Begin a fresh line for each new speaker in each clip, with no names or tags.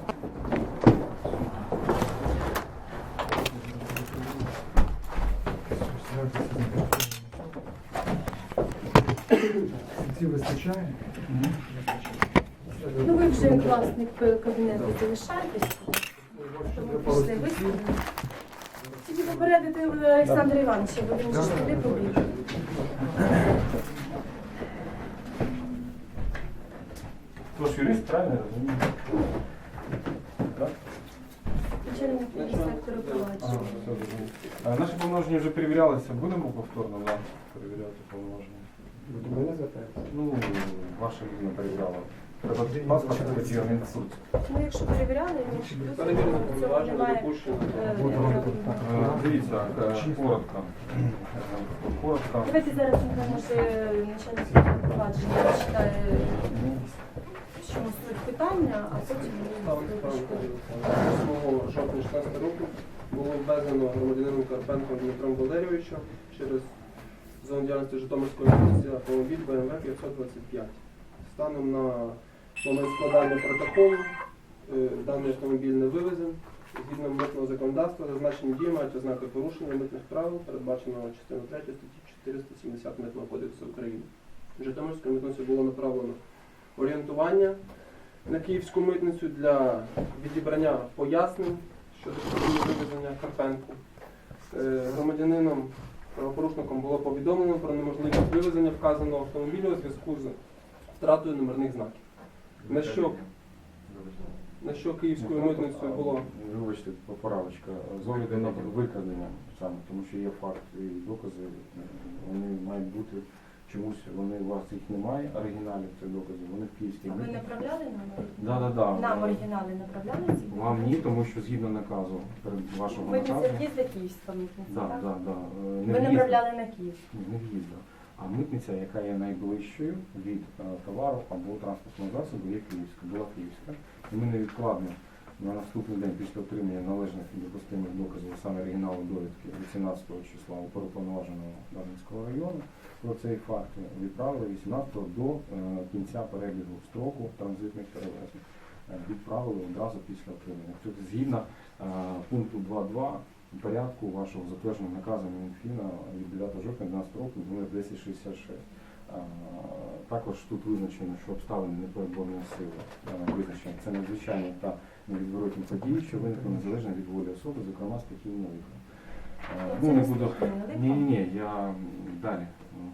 Ці вистачає?
Ну ви вже як власник кабінету залишаєтесь, тому пішли виставили. Тільки попередити Олександра Івановича, бо він же ж туди побіг.
Хто ж юрист, правильно розумію? Так?
Начальник сектору провадження.
Наші повноваження вже перевірялися. Будемо повторно перевіряти повноваження?
До мене звертаєтесь?
Ну, ваша людина перевіряла. Треба паспорт хотів, він в суд.
Ну якщо перевіряли, то цього немає.
Дивіться, коротко. Коротко.
Давайте зараз, може, начальник сектору провадження читає, в чому суть питання, а потім ми випишемо.
8 жовтня 2016 року було ввезено громадянином Карпенком Дмитром Валерійовичем через зону діяльності Житомирської області автомобіль BMW 525. Станом на момент складання протоколу даний автомобіль не вивезен. Згідно митного законодавства, зазначені дії мають ознаки порушення митних правил, передбаченого частиною 3 статті 470 Митного кодексу України. Житомирською митницею було направлено орієнтування на Київську митницю для відібрання пояснень щодо вивезення Карпенку. Громадянином, правопорушником було повідомлено про неможливість вивезення вказаного автомобіля у зв'язку з втратою номерних знаків. На що Київською митницею було...
Вибачте, поправочка. З огляду на викрадення саме, тому що є факт і докази, вони мають бути чомусь, у вас їх немає, оригіналів цих доказів, вони в Київській
А ви
митниці.
направляли нам?
Да.
Нам оригінали направляли ці?
Вам ні, тому що згідно наказу, вашого наказу.
Митниця в'їзда Київська митниця, так?
Да.
Ви направляли на Київ?
Не в'їзда. А митниця, яка є найближчою від товару або транспортного засобу, є Київська, була Київська. І ми невідкладно на наступний день після отримання належних і допустимих доказів, саме оригіналу довідки 18 числа оперуповноваженого Дарницького району, про цей факт відправили 18-го до кінця перебігу строку транзитних перевезень. Відправили одразу після отримання. Тобто згідно пункту 2.2 порядку вашого затвердженого наказу Мінфіна від 9 жовтня 2012 року номер 1066. Також тут визначено, що обставини непереборної сили визначені. Це надзвичайні та невідворотні події, що виникли незалежно від волі особи, зокрема стихійного лиха. Ну, не буду... Ні, я далі.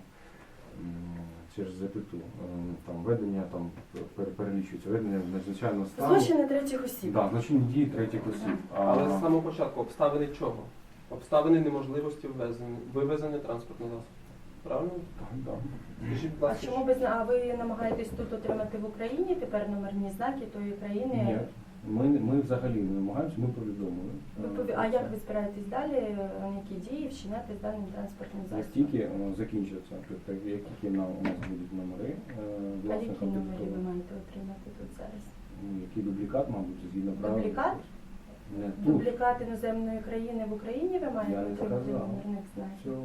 Через запиту. Там ведення, там перелічується, ведення надзвичайного стану.
Злочини третіх осіб.
Так, злочинні дії третіх осіб.
Але з самого початку обставини чого? Обставини неможливості вивезення транспортного засобу. Правильно?
Так.
Скажіть, будь
А
ласка,
чому а ви намагаєтесь тут отримати в Україні тепер номерні знаки тої країни?
Ні. Ми взагалі не намагаємося, ми повідомили.
А як ви збираєтесь далі, які дії вчиняти з даним транспортним
Як
засобом?
тільки закінчиться, тобто як тільки у нас будуть номери,
А які номери ви маєте отримати тут зараз?
який дублікат, мабуть, згідно правил.
Дублікат?
Не тут.
Дублікат іноземної країни в Україні ви маєте
Я не
отримати
сказав.
номерних знаків?
Цього.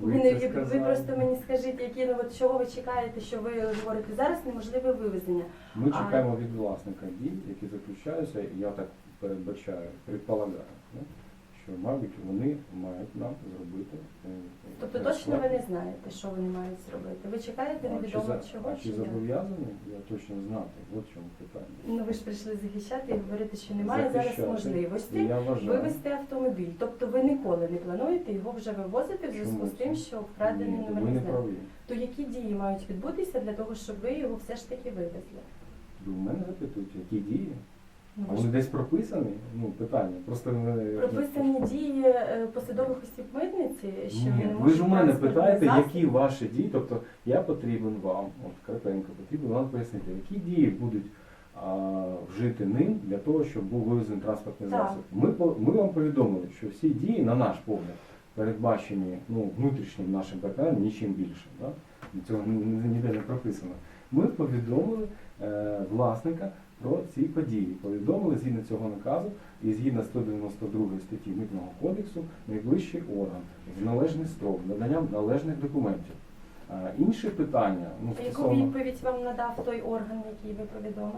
Ви просто мені скажіть, які, чого ви чекаєте, що ви говорите зараз неможливе вивезення.
Ми чекаємо від власника дій, які заключаються, я так передбачаю, предполагаю, що, мабуть, вони мають нам зробити.
Тобто точно ви не знаєте, що вони мають зробити? Ви чекаєте невідомо чого?
А чи зобов'язані? Я точно знати. От в чому питання.
Ну ви ж прийшли захищати і говорити, що немає зараз можливості вивезти автомобіль. Тобто ви ніколи не плануєте його вже вивозити в зв'язку з тим, що вкрадений номерний знак. То які дії мають відбутися для того, щоб ви його все ж таки вивезли?
У мене запитують, які дії?
Ну,
А вони десь прописані? Ну, питання. Просто
прописані дії посадових осіб митниці, що
ні,
не
ви ж у мене
транспортний
питаєте,
засіб.
які ваші дії, тобто я потрібен вам, от Карпенко, потрібен вам пояснити, які дії будуть вжити ним для того, щоб був вивезений транспортний
Так.
засіб. Ми вам повідомили, що всі дії, на наш погляд, передбачені внутрішнім нашим партнерам нічим більше. Да? Цього ніде не прописано. Ми повідомили власника про ці події. Повідомили згідно цього наказу і згідно 192 статті Митного кодексу найближчий орган в належний строк, наданням належних документів. Інші питання...
Яку відповідь вам надав той орган, який ви повідомили?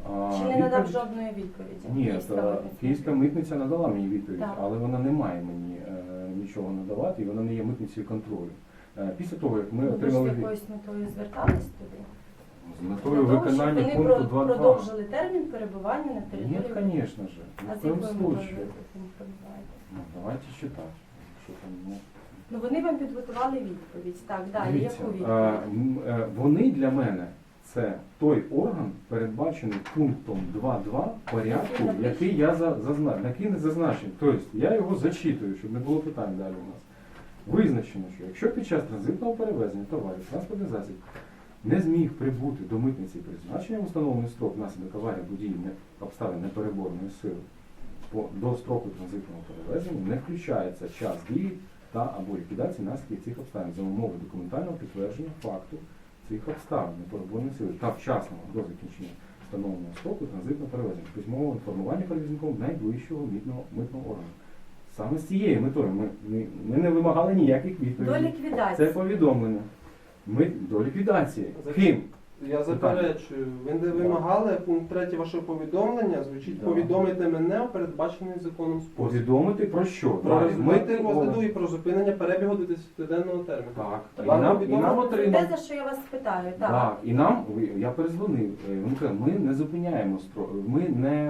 Чи не надав жодної відповіді?
Ні,
Київська митниця?
Київська митниця надала мені відповідь,
Так.
але вона не має мені нічого надавати, і вона не є митницею контролю. Після того, як ми
Ви ж з
отримали
якоюсь метою звертались туди?
з метою
Для того,
виконання
щоб
пункту
вони
2.2.
продовжили термін перебування на
Ні,
території.
звісно ж.
А
Ні в
з якою
коєму
метою ви
случаю.
там перебуваєте?
Ну, давайте читати. Що там, ну.
Ну вони вам підготували відповідь. Так, далі,
Дивіться,
яку відповідь?
вони для мене це той орган, передбачений пунктом 2.2 порядку, який я який не зазначений. Тобто я його зачитую, щоб не було питань далі у нас. Визначено, що якщо під час транзитного перевезення товарів транспортний засіб не зміг прибути до митниці призначенням установлений строк внаслідок аварії або дії обставин непереборної сили до строку транзитного перевезення, не включається час дії та або ліквідації наслідків цих обставин за умови документального підтвердження факту цих обставин непереборної сили та вчасного до закінчення встановленого строку транзитного перевезення, письмового інформування перевізником найближчого митного органу. Саме з цією метою ми не вимагали ніяких
До
відповідей. Це
ліквідації.
повідомлення. Ми до ліквідації. Ким?
Я заперечую, ви не вимагали пункт 3 вашого повідомлення, звучить
Да.
повідомити мене у передбачений законом спосіб.
Повідомити про що?
Про
Далі.
результати розгляду
Митний
і про зупинення перебігу до 10-денного терміну.
Так. І
Тобто
нам
Це
отримав.
те, за що я вас питаю. Так.
Так, і нам, я перезвонив, він каже, ми не зупиняємо ми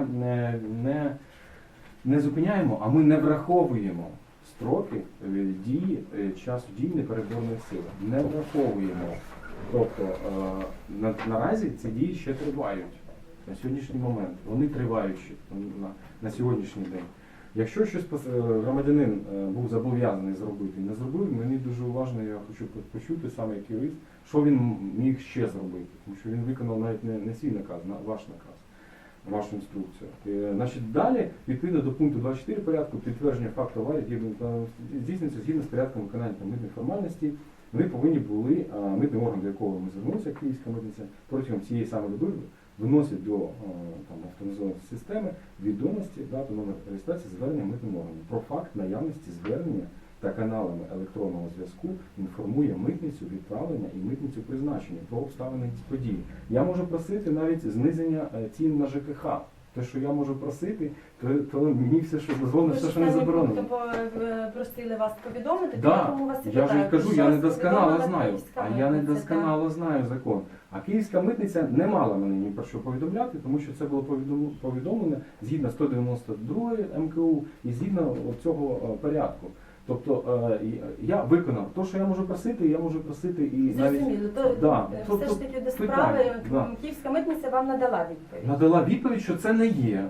не зупиняємо, а ми не враховуємо строки дії, часу дії непереборної сили. Не враховуємо. Тобто наразі ці дії ще тривають на сьогоднішній момент. Вони тривають ще на сьогоднішній день. Якщо щось громадянин був зобов'язаний зробити і не зробив, мені дуже уважно, я хочу почути саме як юрист, що він міг ще зробити. Тому що він виконав навіть не свій наказ, ваш наказ, вашу інструкцію. Значить, далі, відповідно до пункту 24 порядку, підтвердження факту аварії здійснюється згідно з порядком виконання митних формальностей. Ми повинні були, митний орган, до якого ми звернулися, Київська митниця, протягом цієї саме доби виносить до автоматизованої системи відомості, дату, номер реєстрації звернення митним органом. Про факт наявності звернення та каналами електронного зв'язку інформує митницю відправлення і митницю призначення про обставини події. Я можу просити навіть зниження цін на ЖКХ. Те, що я можу просити, то мені все, що дозволено, все, що не заборонено.
Просили вас повідомити,
Да,
тому вас і
я ж
питаю,
і кажу,
що
я
вас
недосконало
повідомила
знаю.
Київська
А я
митниця,
недосконало знаю закон. А Київська митниця не мала мене ні про що повідомляти, тому що це було повідомлено згідно 192 МКУ і згідно цього порядку. Тобто я виконав те, що я можу просити і навіть
Зрозуміло,
Да,
все
тобто
ж таки до
питання,
справи
да.
Київська митниця вам надала відповідь.
надала відповідь, що це не є.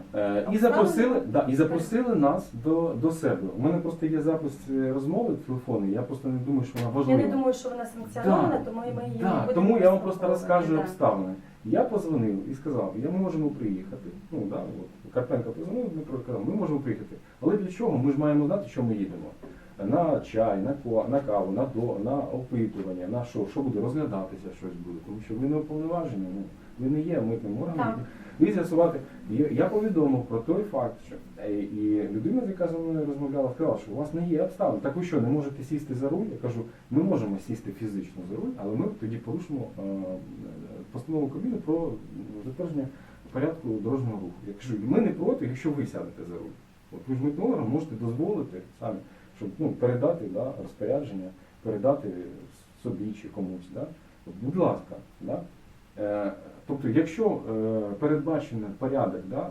І запросили нас до себе. У мене просто є запис розмови телефонної, я просто не думаю, що вона
Я
важлива.
не думаю, що вона санкціонована,
Да,
тому ми її не
да,
будемо
тому я вам просто
розслідковувати,
розкажу
да.
обставини. Я позвонив і сказав, ми можемо приїхати. Ну, да, от, Карпенко позвонив, Дмитро сказав, ми можемо приїхати. Але для чого? Ми ж маємо знати, що ми їдемо. На чай, на каву, на опитування, на що буде розглядатися, щось буде. Тому що ви не уповноважені, ви не є митним органом.
Так.
І з'ясувати. Я повідомив про той факт, що і людина, яка зі мною розмовляла, сказала, що у вас не є обставин. Так ви що, не можете сісти за руль? Я кажу, ми можемо сісти фізично за руль, але ми тоді порушимо постанову Кабміну про затвердження порядку дорожнього руху. Я кажу, ми не проти, якщо ви сядете за руль. От ви ж митним органом можете дозволити самі, щоб передати розпорядження, передати собі чи комусь. Да? От, будь ласка. Да? Тобто, якщо передбачений порядок, да,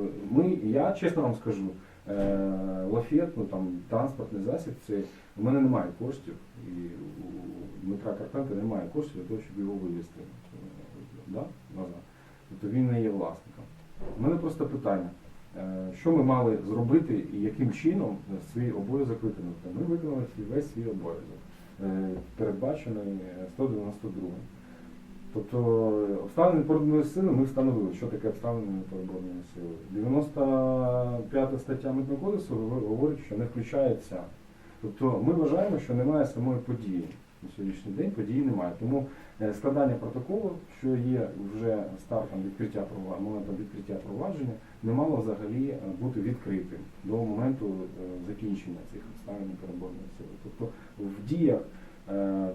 я чесно вам скажу, лафет, транспортний засіб, у мене немає коштів, і у Дмитра Карпенка немає коштів для того, щоб його вивезти назад. Тобто він не є власником. У мене просто питання, що ми мали зробити і яким чином свій обов'язок виконати. Ми виконали весь свій обов'язок, передбачений 192. Тобто обставини непереборної сили ми встановили, що таке обставини непереборної сили. 95 стаття Митного кодексу говорить, що не включається. Тобто ми вважаємо, що немає самої події. На сьогоднішній день події немає. Тому складання протоколу, що є вже стартом моментом відкриття провадження, не мало взагалі бути відкритим до моменту закінчення цих обставин непереборної сили. Тобто в діях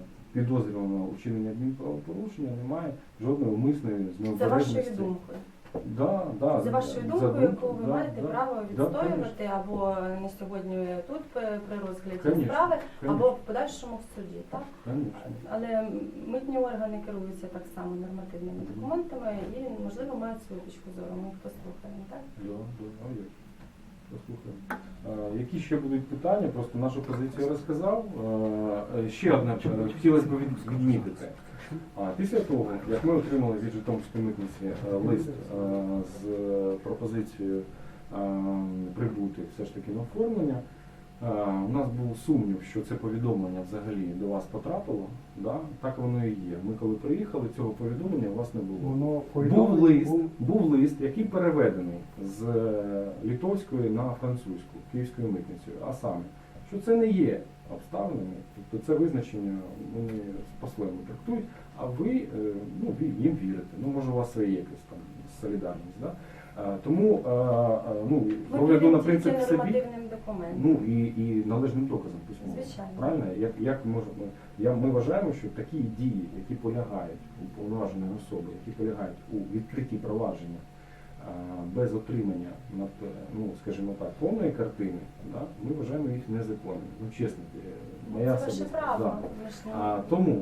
підозрюваного учинення адмінправопорушення немає жодної умисної
За
необережності.
вашою думкою.
Да, да,
За вашою
за
думкою, яку ви
да,
маєте
да.
право
Да,
відстоювати або не сьогодні тут при розгляді
Конечно,
справи,
конечно.
або в подальшому в суді. Так?
Конечно.
Але митні органи керуються так само нормативними документами і, можливо, мають свою точку зору. Ми їх послухаємо, так?
Да, є. Послухаємо. Які ще будуть питання? Просто нашу позицію я розказав. Ще одне хотілося б відмітити. Після того, як ми отримали від Житомирської митниці лист з пропозицією прибути все ж таки на оформлення, у нас був сумнів, що це повідомлення взагалі до вас потрапило. Да? Так воно і є. Ми коли приїхали, цього повідомлення у вас не було.
Воно
Був лист, який переведений з литовської на французьку, київською митницею, а саме, що це не є обставинами, тобто це визначення вони по-своєму трактують, а ви їм вірите. Ну, може, у вас своє якась там солідарність. Да? Тому
Ви
огляду на
вірите
принцип
тільки
собі,
нормативним документам.
ну і належним доказом письмовим.
Звичайно.
Правильно? Ми вважаємо, що такі дії, які полягають у повноваженої особи, які полягають у відкритті провадження без отримання, скажімо так, повної картини, да, ми вважаємо їх незаконними. Ну, чесно, моя
Це ваше
особиста.
право.
Да.
Ви ж не-
Тому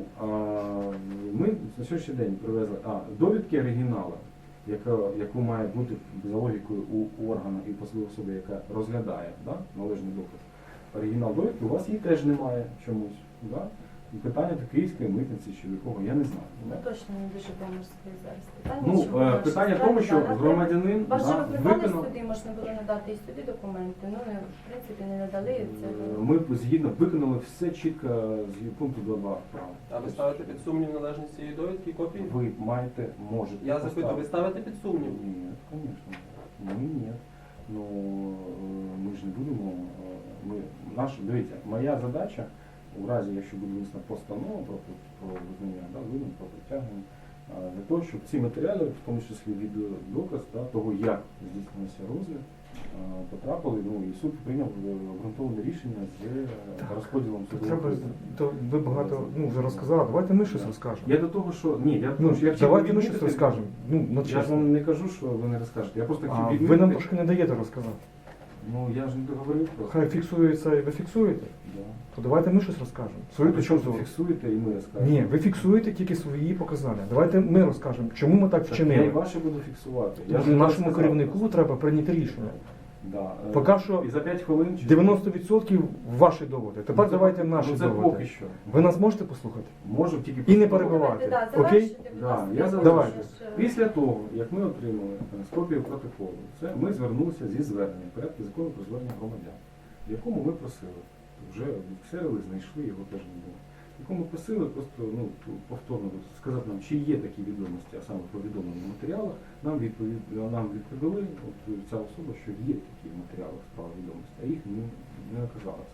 ми на сьогоднішній день привезли довідки оригіналу, яку має бути за логікою у органу і посадової особи, яка розглядає, да, належний доказ. Оригінал довідки у вас її теж немає чомусь. Да? І питання до київської митниці чи до кого, я не знаю.
Ну, точно не дуже доморське зараз питання.
Ну,
чому наші
питання в
справи
тому, що
дана
громадянин
Вас же
да,
викликали
виконав.
сюди, можна було надати і сюди документи. Ну, в принципі, не надали. Це
Ми згідно виконали все чітко з пункту 2.2 права.
А ви ставите під сумнів належність цієї довідки і копії?
Ви можете.
Я запитую, ви
поставити.
ставите під сумнів?
Ні, звісно. Ні. Ну, ми ж не будемо. Дивіться, моя задача, у разі, якщо буде винесена постанова про визнання, да, вину, про притягнення, для того, щоб ці матеріали, в тому числі відеодоказ, да, того, як здійснився розгляд, потрапили, і суд прийняв обґрунтоване рішення з розподілом судового.
Треба, то ви багато вже розказали. Давайте ми щось розкажемо.
Я до того, що я хотів
Давайте ми
відмітити-
щось розкажемо.
Я ж
чесно.
вам не кажу, що ви не розкажете. Я просто хотів
А
відмітити.
ви нам трошки не даєте розказати.
Ну, я ж не договорив просто.
Хай фіксується і ви фіксуєте.
Да.
То давайте ми щось розкажемо. Свою точку
Причому
зору.
фіксуєте і ми розкажемо.
Ні, ви фіксуєте тільки свої показання. Давайте ми розкажемо, чому ми так
Так я і
вчинили.
ваші буду фіксувати.
Тому
ж
що
не
нашому
сказав
керівнику
просто.
треба прийняти рішення.
Да.
Поки що
І за 5 хвилин чи
90% ваші доводи. Тепер
Ну, це-
давайте наші
ну, це
доводи.
поки що.
Ви нас можете послухати?
Можу тільки
І не
послухати.
перебивати.
Давайте,
Окей?
завершуйте, будь
Да,
ласка.
я
тому
Давайте.
що ж,
Після того, як ми отримали копію протоколу, ми звернулися зі зверненням в порядку закону про звернення громадян, в якому ми просили, вже відксерили, знайшли, його теж не було. В якому ми просили просто повторно сказати нам, чи є такі відомості, а саме повідомлені в матеріалах, нам відповіли ця особа, що є такі матеріали справи відомості, а їх не оказалось.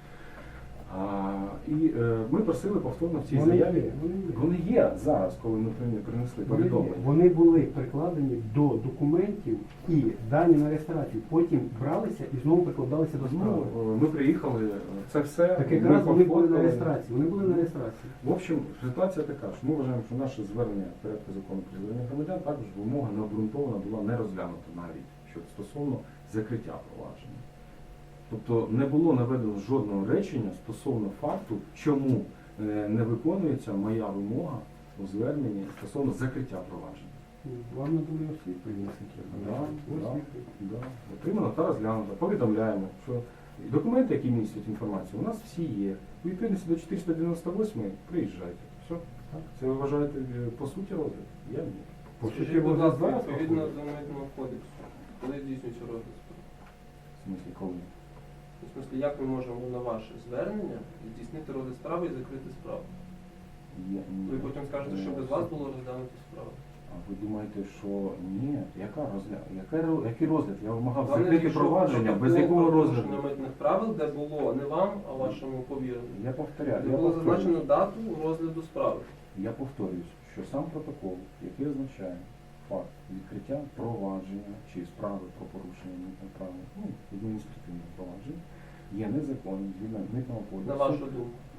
Ми просили повторно в цій заяві. Вони є зараз, коли ми принесли повідомлення.
Вони були прикладені до документів і дані на реєстрацію. Потім бралися і знову прикладалися до справи.
Ми приїхали, це все.
Так
ми
якраз вони були на
пофоткали.
реєстрації. Вони були на реєстрації.
В общем, ситуація така, що ми вважаємо, що наше звернення в порядку закону про звернення громадян також вимога необґрунтована була не розглянута навіть стосовно закриття провадження. Тобто не було наведено жодного речення стосовно факту, чому не виконується моя вимога у зверненні стосовно закриття провадження.
Вам надали освітлення,
Да. Отримано та розглянуто. Повідомляємо, що документи, які містять інформацію, у нас всі є. У відповідності до 498 приїжджайте. Все. Це ви вважаєте по суті розгляд? Я ні.
Скажіть, будь ласка, відповідно до Митного кодексу, коли здійснюється розгляд справи?
В смислі, коли?
В смислі, як ми можемо на ваше звернення здійснити розгляд справи і закрити справу? Ви потім скажете, що без вас було розглянуто справу.
А ви думаєте, що ні? Який розгляд? Я вимагав
Вам не
закрити
дійшов
провадження, без
протокол
якого
про
розгляду?
порушення митних правил, де було не вам, а вашому повіреному.
Я повторяю.
Де було зазначено дату розгляду справи.
Я повторююсь, що сам протокол, який означає факт відкриття провадження чи справи про порушення митних правил, адміністративного провадження, є незаконним згідно митного
На
кодексу.
вашу думку.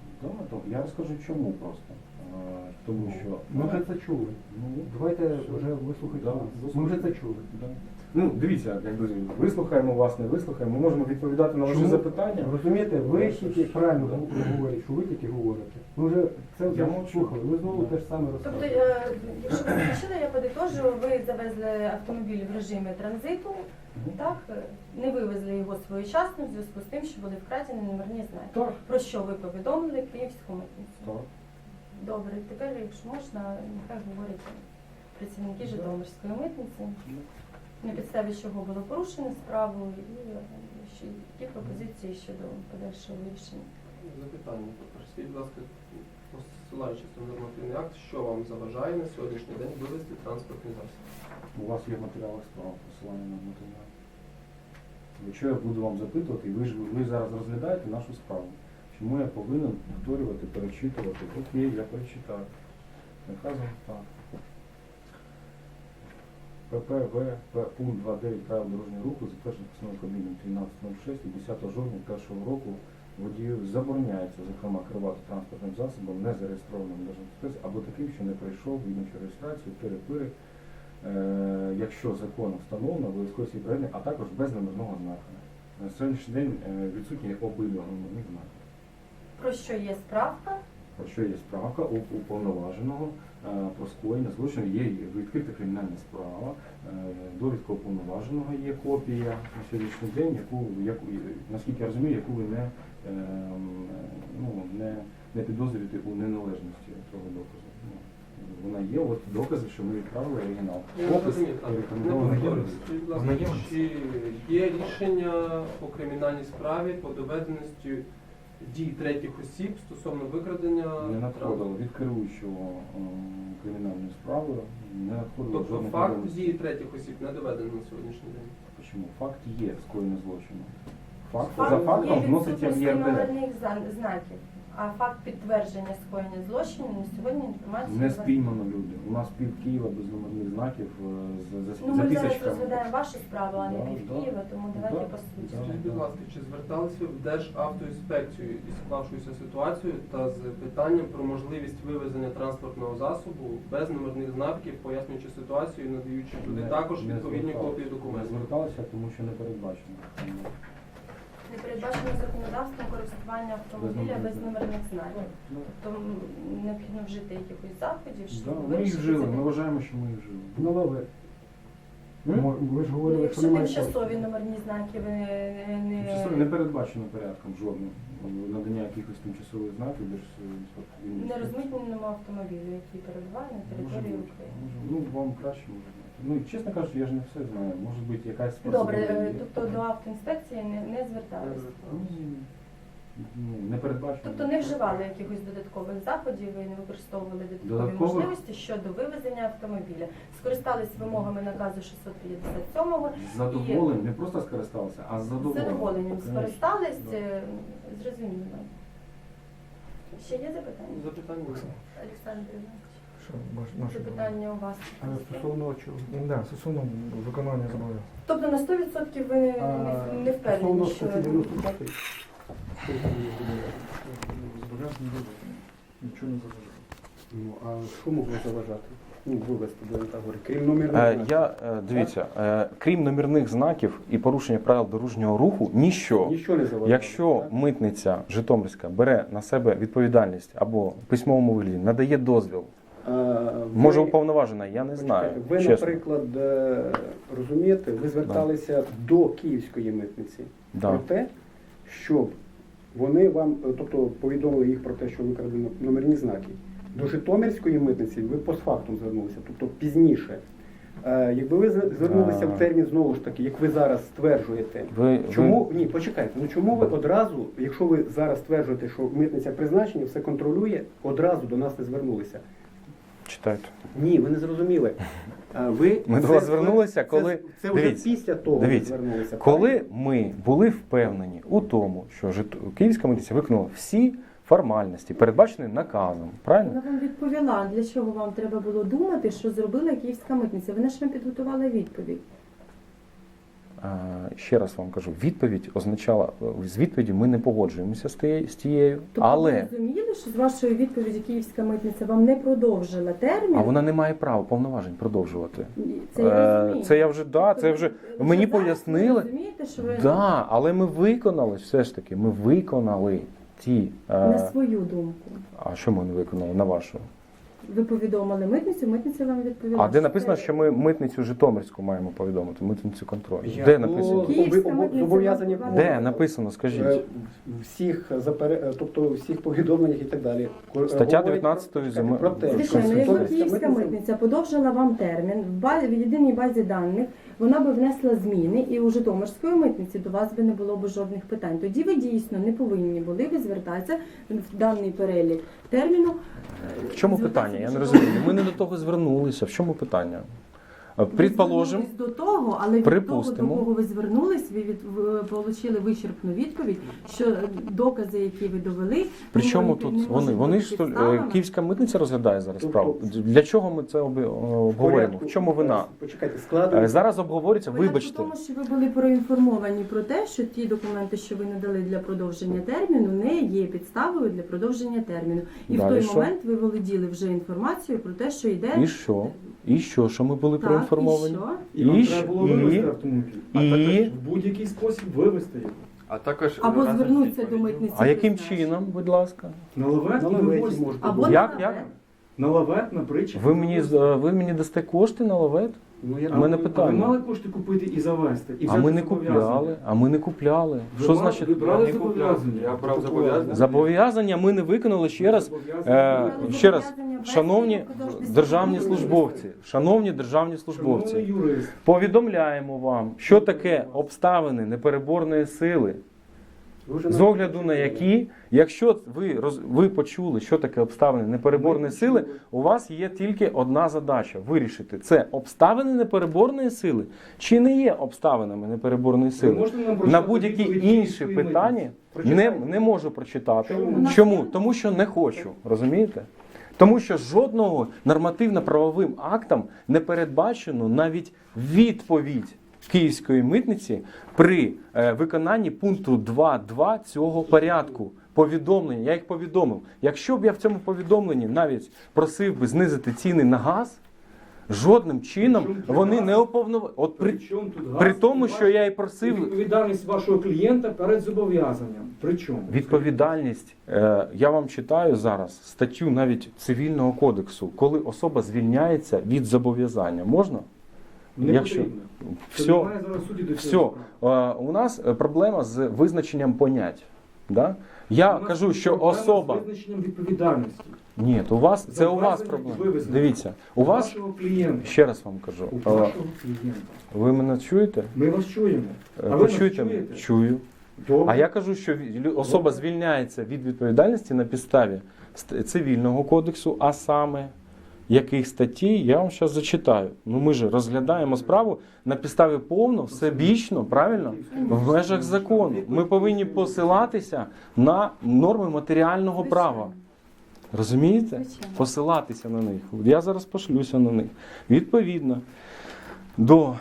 Да, то я розкажу чому просто. Тому що
Ми вже це чули.
ну,
Давайте вже вислухайте
Да,
нас. Ми вже це чули.
да. Ну, дивіться, якби вислухаємо вас, не вислухаємо, ми можемо відповідати на ваші
Чому?
запитання.
Розумієте, ви тільки правильно говорите, що ви тільки говорите. Ми вже це
Я
вже
мовчу.
слухали, ви знову те ж саме
Тобто,
розказуєте.
якщо ви закінчили, я подитожу, ви завезли автомобіль в режимі транзиту, так? Не вивезли його своєчасно в зв'язку з тим, що були вкрадені номерні знаки.
Так,
Про що ви повідомили Київську митницю?
так.
Добре, тепер, якщо можна, нехай говорять працівники Житомирської митниці, на підставі чого було порушено справу і які пропозиції щодо подальшого вирішення.
Запитання. Скажіть, будь ласка, посилаючись на нормативний акт, що вам заважає на сьогоднішній день вивезти транспортний засіб?
У вас є матеріали справ, посилання на матеріал. Якщо я буду вам запитувати, і ви зараз розглядаєте нашу справу, чому я повинен повторювати, перечитувати? Окей, я перечитаю. Наказом так. ППВ пункт 2.9 правил дорожнього руху, затверджений постановою Кабміну 13.06 від 10 жовтня 2001 року водію забороняється, зокрема, керувати транспортним засобом, не зареєстрованим в Державній реєстрації або таким, що не пройшов відомчу реєстрацію, перепири, якщо законом встановлено, обов'язково всі проведення, а також без номерного знака. На сьогоднішній день відсутні обидва номерних знаки.
Про що є справка?
Про що є справка у уповноваженого про скоєння злочину, є відкрита кримінальна справа, довідка уповноваженого є копія на сьогоднішній день, яку наскільки я розумію, яку ви не підозрюєте у неналежності цього доказу. Вона є, от докази, що ми відправили оригінал.
Я не
Опис
розумію, так.
рекомендований.
Скажіть, будь ласка, чи є рішення по кримінальній справі по доведеності дій третіх осіб стосовно викрадення
Не надходило
транспорту?
від керуючого кримінальною справою, не надходило
Тобто
жодних
факт
відомостей.
дії третіх осіб не доведений на сьогоднішній день?
Чому? Факт є скоєння злочину. Факт за
Факт
фактом
є
вноситься в
відсутності
ЄРДР.
номерних знаків, а факт підтвердження скоєння злочину на сьогодні інформацію
Не
у вас
спіймано люди. У нас пів Києва без номерних знаків
Ну,
за
ми зараз
тисячками.
розглядаємо вашу справу, а не
Да,
пів
да.
Києва, тому давайте
Да,
по суті.
да.
Скажіть, будь ласка, чи зверталися в Державтоінспекцію із склавшоюся ситуацією та з питанням про можливість вивезення транспортного засобу без номерних знаків, пояснюючи ситуацію і надаючи туди також
Не
відповідні
зверталися.
копії
Не
документів?
зверталися, тому що не передбачено.
Не передбачено законодавством користування автомобіля без номерних знаків.
Ну,
Тобто необхідно вжити якихось заходів,
да,
щоб
ми їх
вирішити
вжили,
це
ми
питання.
вважаємо, що ми їх вжили.
Ну, але ви ж
Ну,
говорили, що
якщо
немає
тимчасові
коштів.
номерні знаки ви
Тимчасово не передбачено порядком жодним надання якихось тимчасових знаків
не розмитненому автомобілю, який перебуває на території України.
Ну, вам краще може знати. Ну, чесно кажучи, я ж не все знаю. Може бути якась
Добре,
процедура є.
тобто до автоінспекції не зверталися.
Не передбачено.
Тобто не вживали якихось додаткових заходів і не використовували додаткові
Додаткових?
можливості щодо вивезення автомобіля. Скористались вимогами наказу 657-го.
З задоволенням, не просто скористалися, а з
З
задоволенням.
задоволенням
Конечно.
скористались,
Да.
зрозуміло. Ще є запитання?
Запитання?
Олександр Іванович,
Що наше
запитання у вас?
А стосовно чого?
Да, стосовно виконання зобов'язань.
Тобто на 100% ви не впевнені,
Стосовно
що...
статті 95, що там є
Зобов'язані виконані. Нічого не заважає.
Ну, а що могло заважати? Ну, вивезти, будемо так говорити. Крім номерних знаків.
Дивіться, крім номерних знаків і порушення правил дорожнього руху, ніщо.
Нічого не заважає.
Якщо
так?
митниця Житомирська бере на себе відповідальність або в письмовому вигляді, надає дозвіл, може уповноважена, я не знаю.
Ви,
чесно.
наприклад, розумієте, ви зверталися до Київської митниці
Да.
про те, щоб вони вам, тобто повідомили їх про те, що викрадено номерні знаки. До Житомирської митниці ви постфактум звернулися, тобто пізніше. Якби ви звернулися в термін знову ж таки, як ви зараз стверджуєте, чому ні, почекайте, ну чому ви одразу, якщо ви зараз стверджуєте, що митниця призначення все контролює, одразу до нас не звернулися?
Читайте.
Ні, ви не зрозуміли.
Ми до вас звернулися, коли...
Це вже
Дивіться,
після того
дивіться,
ви звернулися.
Коли ми були впевнені у тому, що Київська митниця виконала всі формальності, передбачені наказом, правильно?
Вона вам відповіла, для чого вам треба було думати, що зробила Київська митниця. Вона ж вам підготувала відповідь.
ще раз вам кажу, відповідь означала, з відповіддю ми не погоджуємося з тією,
Тобто
але
ви розуміли, що з вашої відповіді Київська митниця вам не продовжила термін?
а вона не має права повноважень продовжувати.
Це я розумію.
Це я вже це вже
Ви
мені
зараз
пояснили.
розумієте, що ви
Да, але ми виконали все ж таки. Ми виконали ті.
на свою думку.
А що ми не виконали на вашу?
Ви повідомили митницю, митниця вам відповіла.
А де написано,
це-
що ми митницю Житомирську маємо повідомити, митницю контролю?
Я-
Де
ну,
написано?
Київська митниця
зобов'язані
вам
Де написано? Скажіть.
тобто всіх повідомленнях і так далі.
Стаття
Говорить
19
про- про те, що
Звичайно, якби
Конституція.
Київська митниця подовжила вам термін, в єдиній базі даних вона би внесла зміни, і у Житомирської митниці до вас би не було б жодних питань. Тоді ви дійсно не повинні були б звертатися в даний перелік терміну.
В чому питання? Я не розумію. Ми не до того звернулися. В чому питання? Предположим,
Ви звернулись до того, але від
припустимо.
того, до кого ви звернулись, ви отримали вичерпну відповідь, що докази, які ви довели,
причому
не
тут
можуть
вони? Вони
бути
ж то,
підставами.
Київська митниця розглядає зараз
Тобто-
справу. Для чого ми це обговорюємо? В чому вина?
Почекайте, складно.
Зараз обговорюється,
Порядок
вибачте.
в тому, що ви були проінформовані про те, що ті документи, що ви надали для продовження терміну, не є підставою для продовження терміну. І
Далі
в той
що?
момент ви володіли вже інформацією про те, що йде
І що? І що? Що ми були
так,
проінформовані?
і що?
І вам
І
треба було
і-
вивезти автомобіль. А
і-
також в будь-який спосіб вивезти його.
А також
Або
разом з
звернутися до
відповіддю.
митниці.
А яким
призначення.
чином, будь ласка?
На лавет
На
і
лаветі
вивозьте.
можете
Або
бути.
Як?
на
Як?
ВЕ.
На лавет, на притчі.
Ви мені дасте кошти на лавет?
Ну, я
У мене
Ви
питання.
мали кошти купити і завести. І
А ми
взяти
не
зобов'язання.
купляли. А ми не купляли.
Ви
Що
мали-
значить?
Ви брали
Я не купляв.
зобов'язання.
Я брав зобов'язання.
Зобов'язання ми не виконали ще раз. Ще раз, шановні державні службовці, шановні державні
Шановний
службовці,
юрист,
повідомляємо вам, що таке обставини непереборної сили,
Ви вже
з огляду на які, якщо ви почули, що таке обставини непереборної сили, у вас є тільки одна задача – вирішити, це обставини непереборної сили чи не є обставинами непереборної
ви
сили.
можете нам
На
прочитати
будь-які
відповідь
інші
Київської
питання
митниці? Прочитайте.
не можу прочитати.
Чому?
Чому? Тому що не хочу, розумієте? Тому що жодного нормативно-правовим актом не передбачено навіть відповідь Київської митниці при виконанні пункту 2.2 цього порядку. Повідомлення, я їх повідомив. Якщо б я в цьому повідомленні навіть просив би знизити ціни на газ, жодним чином
Причому тут
вони
газ?
не уповноважені. От
При чому тут газ?
при тому,
І
що я і просив
відповідальність вашого клієнта перед зобов'язанням. При чому?
відповідальність, я вам читаю зараз статтю навіть Цивільного кодексу, коли особа звільняється від зобов'язання. Можна?
Не
Якщо-
потрібно. Це
Все,
немає зараз суді до цього
все.
справи.
У нас проблема з визначенням понять. Да? Я
У нас
кажу, що
проблема
особа...
з визначенням відповідальності.
Ні, то у вас, це у вас
Завезення і
проблема.
вивезення.
Дивіться, у вас,
Вашого клієнта.
ще раз вам кажу,
У вашого клієнта.
ви мене чуєте?
Ми вас чуємо. А ви нас
Почуєте мене?
чуєте?
Чую.
Добре.
А я кажу, що особа звільняється від відповідальності на підставі Цивільного кодексу, а саме яких статей, я вам зараз зачитаю. Ну ми ж розглядаємо справу на підставі повно, всебічно, правильно? В межах закону. Ми повинні посилатися на норми матеріального права. Розумієте?
Звичайно.
Посилатися на них. Я зараз пошлюся на них. Відповідно до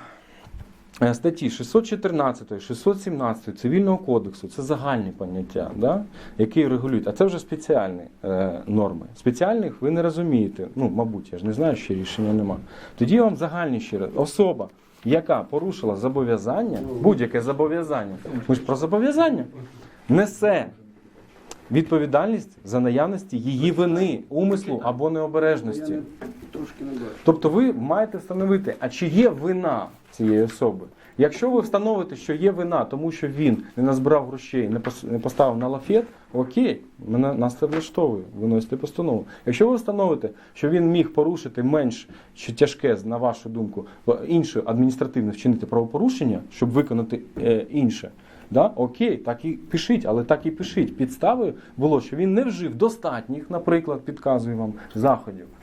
статті 614, 617 Цивільного кодексу, це загальні поняття, да, які регулюють, а це вже спеціальні норми. Спеціальних ви не розумієте, ну, мабуть, я ж не знаю, ще рішення нема. Тоді я вам загальні ще раз. Особа, яка порушила зобов'язання, будь-яке зобов'язання, ми ж про зобов'язання, несе відповідальність за наявності її вини, умислу або необережності.
Трошки не бачу.
Тобто ви маєте встановити, а чи є вина цієї особи. Якщо ви встановите, що є вина, тому що він не назбирав грошей, не поставив на лафет, окей, нас це влаштовує, виносите постанову. Якщо ви встановите, що він міг порушити менш чи тяжке, на вашу думку, інше адміністративне вчинити правопорушення, щоб виконати інше, да? Окей, так і пишіть, але так і пишіть. Підставою було, що він не вжив достатніх, наприклад, підказую вам, заходів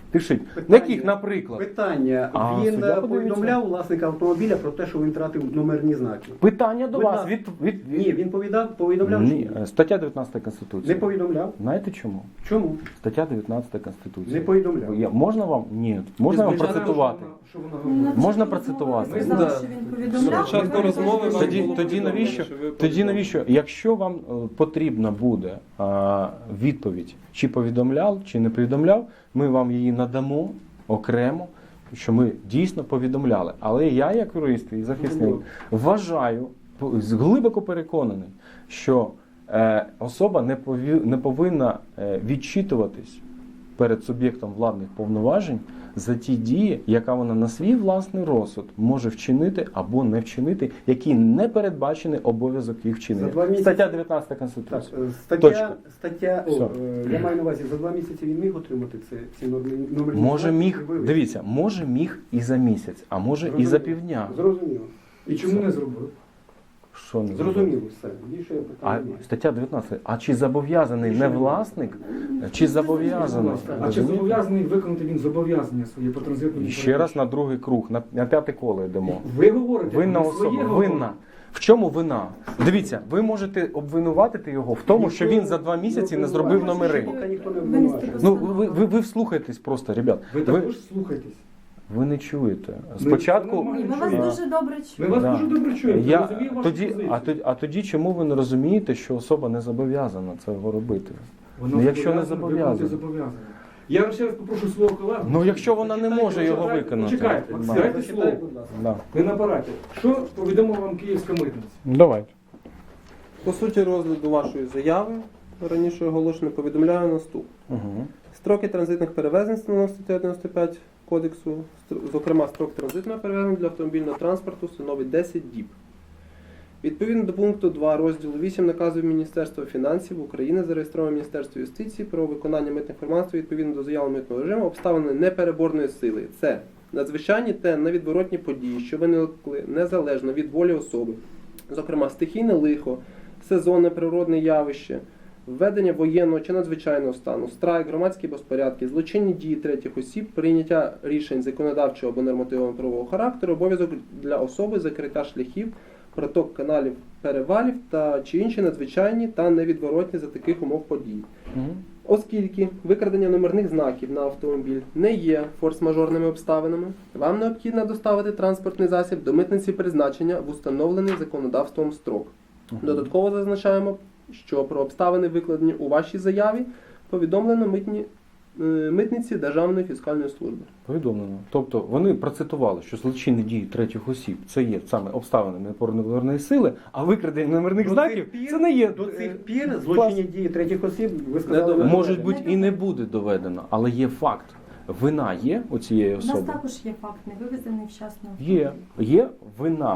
Пишіть.
Питання.
На яких, наприклад?
Питання.
А,
Він
суддя подивиться.
повідомляв власника автомобіля про те, що він втратив номерні знаки.
Питання до
Будь
вас.
ласка.
Від...
Ні, він повідомляв чи
Ні.
ні?
Стаття 19
Не
Конституції.
повідомляв.
Знаєте чому?
Чому?
Стаття 19 Конституції.
Не повідомляв.
Можна вам? Ні. Можна вам процитувати?
Що вона говорить?
Можна процитувати?
Ми знали, що він повідомляв.
Спочатку розмови вам
Тоді,
було
тоді
повідомлено,
навіщо?
що ви
Тоді навіщо? Якщо вам потрібна буде відповідь, чи повідомляв, чи не повідомляв, ми вам її надамо окремо, що ми дійсно повідомляли. Але я, як юрист і захисник, вважаю, глибоко переконаний, що особа не повинна відчитуватись перед суб'єктом владних повноважень за ті дії, яка вона на свій власний розсуд може вчинити або не вчинити, які не передбачений обов'язок їх
За
вчинення.
2 місяці-
Стаття 19
Так,
Конституції.
стаття,
Все.
я маю на увазі, за 2 місяці він міг отримати ці номерні
Може
знаки
міг,
і вивезти?
дивіться, може міг і за місяць, а може і
Зрозуміло.
за півдня.
Зрозуміло.
І чому не зробив?
Що не
Зрозуміло все. Більше
А
питань немає.
стаття 19. А чи зобов'язаний не власник, чи зобов'язаний?
А чи зобов'язаний виконати він зобов'язання своє по транзитному?
І ще раз на другий круг, на п'яте коло йдемо.
Ви говорите,
Винна
ви своє
особа,
говорите.
винна. В чому вина? Дивіться, ви можете обвинуватити його в тому, що він за 2 місяці не зробив номери.
Поки ніхто не
Винести
обвинувачує.
Ну, ви вслухайтесь просто, ребят.
Ви також слухайтесь.
Ви не чуєте.
це
Спочатку.
нормально.
Ні, ми вас дуже добре
Ми
чуємо.
вас
Да.
дуже добре чуємо.
Я,
розумію вашу
тоді,
позицію.
а тоді чому ви не розумієте, що особа не зобов'язана цього робити?
Вона
Ну, якщо не
зобов'язана,
зобов'язана.
виконати зобов'язання. Я вам ще раз попрошу свого колегу.
Ну, якщо вона не може його
Почекайте,
виконати.
Почекайте,
Да.
дайте слово.
Зачитай, будь ласка.
Да.
Ви на апараті. Що повідомила вам Київська митниця?
Давайте.
По суті розгляду вашої заяви, раніше оголошено, повідомляю наступне.
Угу.
Строки транзитних перевезень встановлено статтею 95 Кодексу, зокрема строк транзитного перевезення для автомобільного транспорту становить 10 діб. Відповідно до пункту 2 розділу 8 наказу Міністерства фінансів України, зареєстрованого Міністерством юстиції про виконання митних формальностей відповідно до заяви митного режиму, обставини непереборної сили. Це надзвичайні та невідворотні події, що виникли незалежно від волі особи, зокрема стихійне лихо, сезонне природне явище, введення воєнного чи надзвичайного стану, страйк, громадські безпорядки, злочинні дії третіх осіб, прийняття рішень законодавчого або нормативно-правового характеру, обов'язок для особи закриття шляхів, проток каналів, перевалів та чи інші надзвичайні та невідворотні за таких умов подій.
Угу.
Оскільки викрадення номерних знаків на автомобіль не є форс-мажорними обставинами, вам необхідно доставити транспортний засіб до митниці призначення в установлений законодавством строк. Додатково зазначаємо, що про обставини, викладені у вашій заяві, повідомлено митниці Державної фіскальної служби.
Повідомлено. Тобто вони процитували, що злочинні дії третіх осіб це є саме обставини неопорної сили, а викрадення номерних
До
знаків
цих пір-
це не є.
До цих пір злочинні дії третіх осіб, ви сказали,
доведено.
Може бути і не буде доведено, але є факт. Вина є у цієї
У нас
особи.
також є факт невивезений вчасно.
Є вина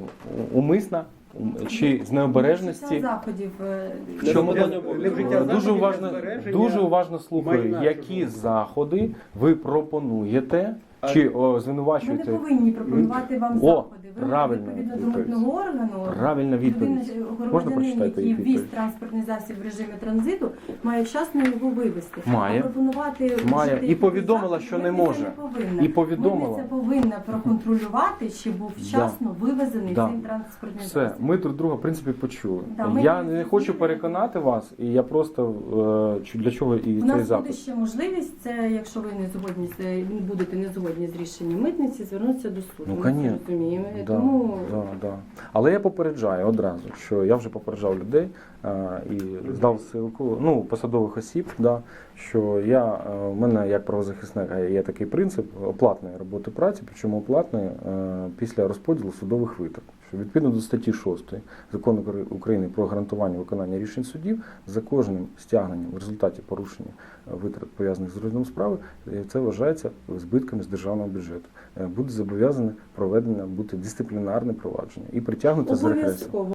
умисна чи з необережності.
Вжиття заходів.
В чому
Невиконання обов'язків.
Невжиття
дуже
заходів
уважно,
для збереження
дуже уважно слухаю,
майна
які
чужого.
заходи ви пропонуєте чи
Ми не
звинувачуєте.
повинні пропонувати вам
О,
заходи. Ви
правильно
відповідно до
відповідь.
митного органу,
Правильна відповідь. Можна
громадянин,
прочитати
який
їх
ввіз
відповідь?
транспортний засіб в режимі транзиту, має вчасно його вивезти.
Має.
А пропонувати
Має.
вжити
І
якихось
повідомила,
заходів
що не
митниця
може.
повинна.
І повідомила.
Митниця повинна проконтролювати, чи був вчасно вивезений
Да.
цей транспортний
Все,
засіб.
ми друг друга в принципі почули.
Да, ми
Я
не
не хочу
зрозуміли.
переконати вас, і я просто для чого і
У
цей
нас буде
запит.
ще можливість, це якщо ви не згодні будете не згодні з рішенням митниці, звернутися до суду.
Ну,
Ми це
конечно.
розуміємо.
Да,
Тому
да. Але я попереджаю одразу, що я вже попереджав людей і здав ссылку, ну, посадових осіб, да, що у мене як правозахисника є такий принцип оплатної роботи праці, причому оплатної після розподілу судових витрат. Що відповідно до статті 6 Закону України про гарантування виконання рішень судів, за кожним стягненням в результаті порушення витрат, пов'язаних з розглядом справи, це вважається збитками з державного бюджету. Буде зобов'язане проведення бути дисциплінарне провадження і притягнути за репресію.
обов'язково.